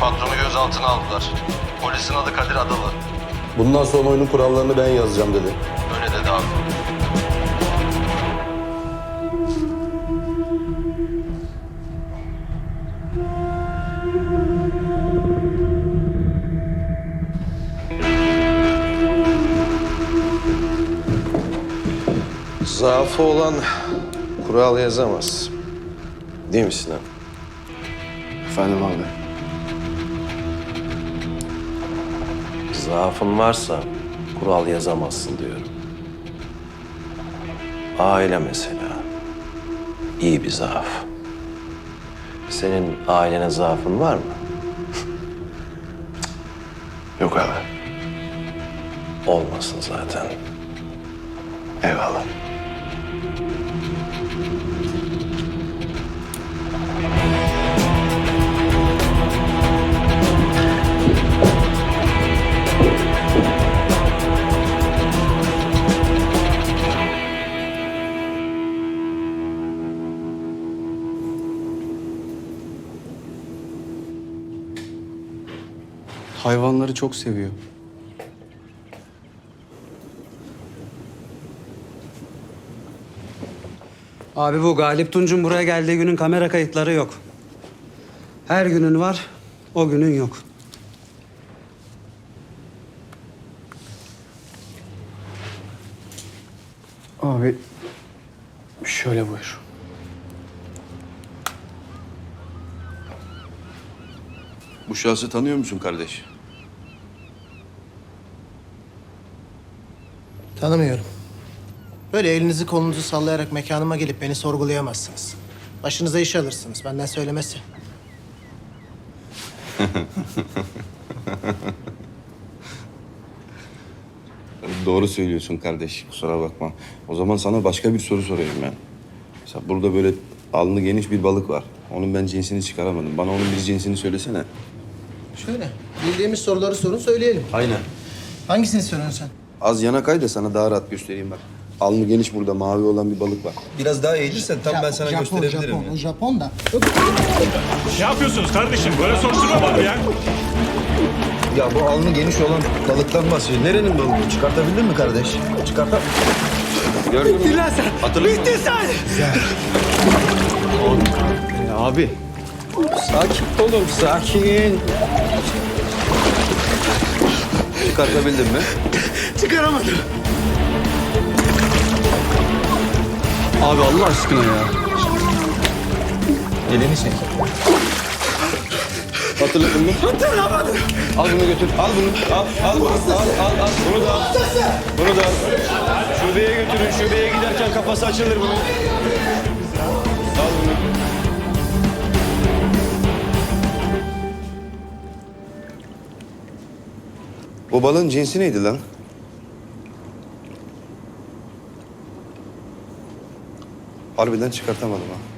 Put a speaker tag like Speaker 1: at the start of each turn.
Speaker 1: patronu gözaltına aldılar. Polisin adı Kadir Adalı.
Speaker 2: Bundan sonra oyunun kurallarını ben yazacağım dedi.
Speaker 1: Öyle dedi abi.
Speaker 3: Zaafı olan kural yazamaz. Değil mi Sinan?
Speaker 2: Efendim abi.
Speaker 3: Zaafın varsa kural yazamazsın diyorum. Aile mesela. İyi bir zaaf. Senin ailene zaafın var mı?
Speaker 2: Yok abi.
Speaker 3: Olmasın zaten.
Speaker 2: Eyvallah.
Speaker 4: Hayvanları çok seviyor.
Speaker 5: Abi bu Galip Tunç'un buraya geldiği günün kamera kayıtları yok. Her günün var, o günün yok.
Speaker 4: Abi şöyle buyur.
Speaker 2: Bu şahsı tanıyor musun kardeş?
Speaker 6: Tanımıyorum. Böyle elinizi kolunuzu sallayarak mekanıma gelip beni sorgulayamazsınız. Başınıza iş alırsınız, benden söylemesi.
Speaker 2: Doğru söylüyorsun kardeş. Kusura bakma. O zaman sana başka bir soru sorayım ben. Mesela burada böyle alnı geniş bir balık var. Onun ben cinsini çıkaramadım. Bana onun bir cinsini söylesene.
Speaker 6: Şöyle, bildiğimiz soruları sorun söyleyelim.
Speaker 2: Aynen.
Speaker 6: Hangisini soruyorsun sen?
Speaker 2: Az yana kay da sana daha rahat göstereyim bak. Alnı geniş burada mavi olan bir balık var. Biraz daha eğilirsen tam ben sana gösterebilirim.
Speaker 6: O Japon da.
Speaker 7: Ne yapıyorsunuz kardeşim? Böyle soruşturma var mı ya?
Speaker 2: Ya bu alnı geniş olan balıktan bahsediyor. Nerenin balığı? Çıkartabildin mi kardeş? Çıkarta... Gördün mü? Bittin lan sen! Hatırladın Bittin sen!
Speaker 4: Abi
Speaker 2: Sakin olun, sakin. Çıkartabildin mi?
Speaker 6: Çıkaramadım.
Speaker 4: abi Allah aşkına ya.
Speaker 2: Elini çek. Hatırladın mı?
Speaker 6: Hatırlamadım.
Speaker 2: Al bunu götür. Al bunu. Al bunu. Al. Bunu da al. Bunu da al. Şubeye götürün. Şubeye giderken kafası açılır bunun. Al bunu. O balığın cinsi neydi lan? Harbiden çıkartamadım ha.